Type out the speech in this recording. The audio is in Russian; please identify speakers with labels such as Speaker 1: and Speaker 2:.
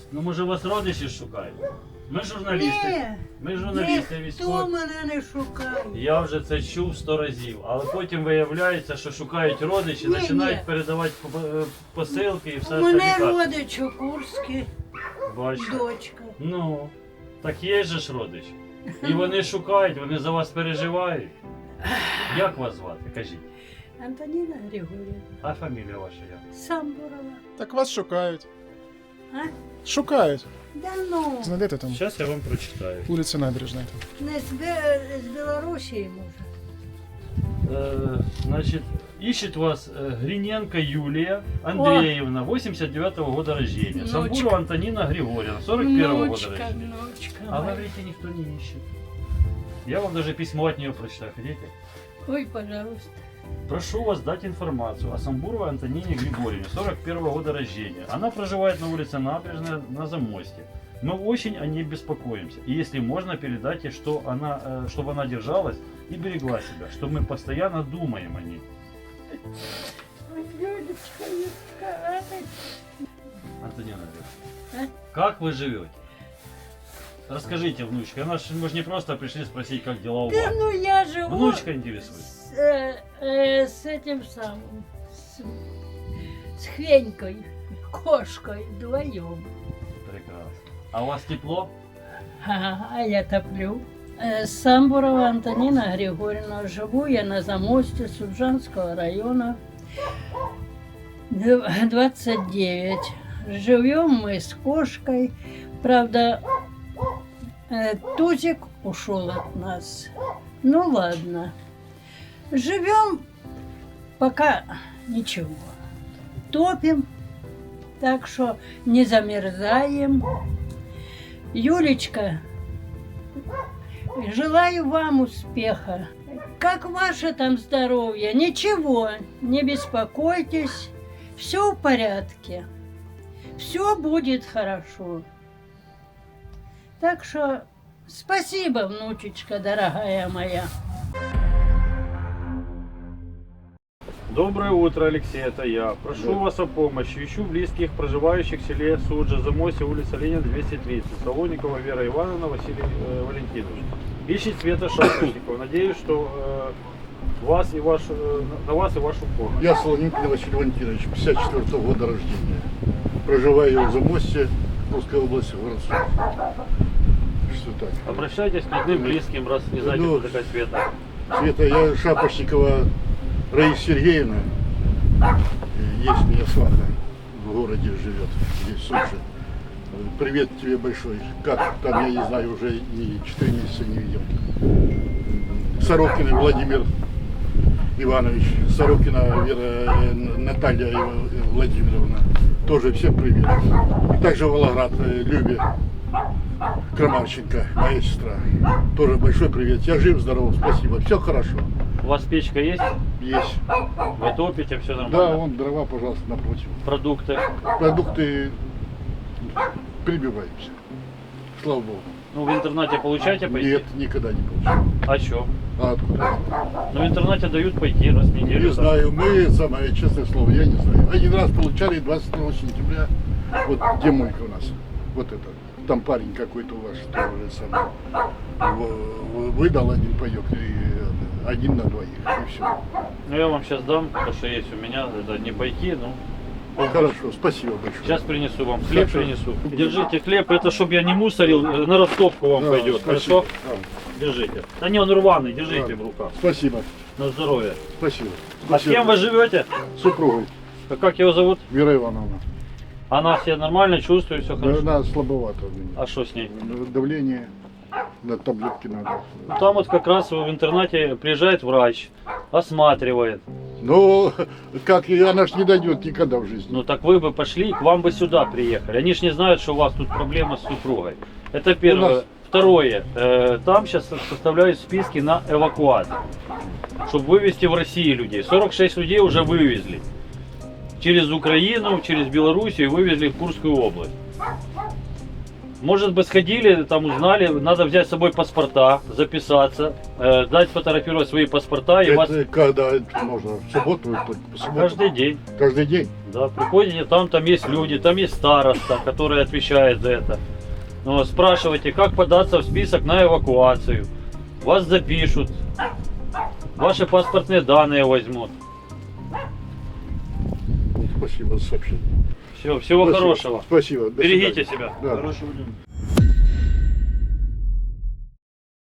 Speaker 1: Ну може вас родичі шукають? Ми журналісти.
Speaker 2: Ні,
Speaker 1: Ми журналісти
Speaker 2: ніхто
Speaker 1: військові.
Speaker 2: мене не шукає.
Speaker 1: Я вже це чув 100 разів, але потім виявляється, що шукають родичі,
Speaker 2: Ні,
Speaker 1: починають
Speaker 2: ні.
Speaker 1: передавати посилки і все
Speaker 2: У мене
Speaker 1: остальне.
Speaker 2: родич у Курській,
Speaker 1: Бачите?
Speaker 2: дочка.
Speaker 1: Ну, так є же ж родич. І вони шукають, вони за вас переживають. Як вас звати? Кажіть.
Speaker 2: Антоніна Григорівна.
Speaker 1: А фамілія ваша як?
Speaker 2: Самбурова.
Speaker 3: Так вас шукають.
Speaker 2: А?
Speaker 3: Шукають.
Speaker 2: Да ну,
Speaker 3: Знайдете там.
Speaker 1: Зараз я вам прочитаю.
Speaker 3: Вулиця Набережна. Там.
Speaker 2: не з Білорусі, може.
Speaker 1: Значит, ищет вас Гриненко Юлия Андреевна, 89-го года рождения.
Speaker 2: Внучка.
Speaker 1: Самбурова Антонина Григорьевна, 41-го года
Speaker 2: Внучка,
Speaker 1: рождения.
Speaker 2: внучка.
Speaker 1: А вы
Speaker 2: моя.
Speaker 1: говорите, никто не ищет. Я вам даже письмо от нее прочитаю. Хотите?
Speaker 2: Ой, пожалуйста.
Speaker 1: Прошу вас дать информацию о Самбуровой Антонине Григорьевне, 41-го года рождения. Она проживает на улице Набережная на Замосте. Мы очень о ней беспокоимся. И если можно, передайте, что чтобы она держалась и берегла себя, что мы постоянно думаем о ней.
Speaker 2: Ой, Юлечка, Юлечка,
Speaker 1: Антонина
Speaker 2: А?
Speaker 1: Андреевна, как вы живете? Расскажите, внучка. Мы же не просто пришли спросить, как дела у
Speaker 2: да
Speaker 1: вас.
Speaker 2: ну я живу
Speaker 1: Внучка интересует.
Speaker 2: с этим самым, с Хвенькой, кошкой вдвоем.
Speaker 1: Прекрасно. А у вас тепло?
Speaker 2: А я топлю. Самбурова Антонина Григорьевна. Живу я на Замосте Суджанского района, 29. Живем мы с кошкой. Правда, Тузик ушел от нас. Ну ладно. Живем пока ничего. Топим, так что не замерзаем. Юлечка, желаю вам успеха. Как ваше там здоровье? Ничего, не беспокойтесь. Все в порядке. Все будет хорошо. Так что спасибо, внучечка, дорогая моя.
Speaker 1: Доброе утро, Алексей, это я. Прошу вас о помощи. Ищу близких, проживающих в селе Суджа, Замосе, улица Ленина, 230. Солоникова Вера Ивановна, Василий Валентинович. Ищет Света Шапошникова. Надеюсь, что на вас и вашу помощь.
Speaker 4: Я Солоникин Василий Валентинович, 54-го года рождения. Проживаю в Замосте, Русской области, город Суджа. Что так?
Speaker 1: Обращайтесь к родным, близким, раз не знаете,
Speaker 4: Ну,
Speaker 1: кто такая Света.
Speaker 4: Света, я Шапошникова Раиса Сергеевна. Есть у меня свата в городе живет, здесь в Сочи. Привет тебе большой. Как там, я не знаю, уже и 4 месяца не видел. Сорокин Владимир Иванович, Сорокина Вера Наталья Владимировна. Тоже всем привет. И также Волоград Любе Крамарченко, моя сестра. Тоже большой привет. Я жив, здоров, спасибо. Все хорошо.
Speaker 1: У вас печка есть?
Speaker 4: Есть.
Speaker 1: Вы топите, все нормально?
Speaker 4: Да, вон дрова, пожалуйста, напротив.
Speaker 1: Продукты?
Speaker 4: Продукты прибиваемся. Слава Богу.
Speaker 1: Ну, в интернете получаете пойти?
Speaker 4: Нет, никогда не получил.
Speaker 1: А что?
Speaker 4: А откуда?
Speaker 1: Ну, в интернете дают пойти раз в неделю.
Speaker 4: Не знаю, мы, самое честное слово, я не знаю. Один раз получали 22 сентября, вот где мойка у нас, вот это. Там парень какой-то у вас, что уже сам выдал один паёк, и один на двоих, и все.
Speaker 1: Ну, я вам сейчас дам, то, что есть у меня, это не пайки, ну.
Speaker 4: Хорошо, спасибо большое.
Speaker 1: Сейчас принесу вам, хлеб
Speaker 4: Хорошо.
Speaker 1: принесу. Держите хлеб, это чтобы я не мусорил, на ростовку вам
Speaker 4: Да,
Speaker 1: пойдет,
Speaker 4: спасибо.
Speaker 1: хорошо? Держите. Да не, он рваный, держите
Speaker 4: Да.
Speaker 1: в руках.
Speaker 4: Спасибо,
Speaker 1: На здоровье.
Speaker 4: спасибо.
Speaker 1: А с кем вы живете?
Speaker 4: С супругой,
Speaker 1: А как его зовут?
Speaker 4: Вера Ивановна.
Speaker 1: Она себя нормально чувствует, все хорошо?
Speaker 4: Она слабовато у меня.
Speaker 1: А что с ней?
Speaker 4: Давление, на таблетки надо.
Speaker 1: Там вот как раз в интернете приезжает врач, осматривает.
Speaker 4: Ну, как, и она ж не дойдет никогда в жизни.
Speaker 1: Ну так вы бы пошли, к вам бы сюда приехали. Они ж не знают, что у вас тут проблема с супругой. Это первое.
Speaker 4: У нас-
Speaker 1: Второе. Там сейчас составляют списки на эвакуацию, чтобы вывести в Россию людей. 46 людей уже вывезли. Через Украину, через Белоруссию вывезли в Курскую область. Может быть, сходили, там узнали, надо взять с собой паспорта, записаться, дать фотографировать свои паспорта, и вас
Speaker 4: Это когда это можно? В субботу? По субботу?
Speaker 1: каждый день.
Speaker 4: Каждый день?
Speaker 1: Да, приходите, там есть люди, там есть староста, который отвечает за это. Ну, спрашивайте, как податься в список на эвакуацию. Вас запишут, ваши паспортные данные возьмут.
Speaker 4: Спасибо за сообщение.
Speaker 1: Все, всего
Speaker 4: Спасибо.
Speaker 1: хорошего.
Speaker 4: Спасибо. До
Speaker 1: Берегите
Speaker 4: свидания.
Speaker 1: себя.
Speaker 4: Да.
Speaker 1: Хорошего дня.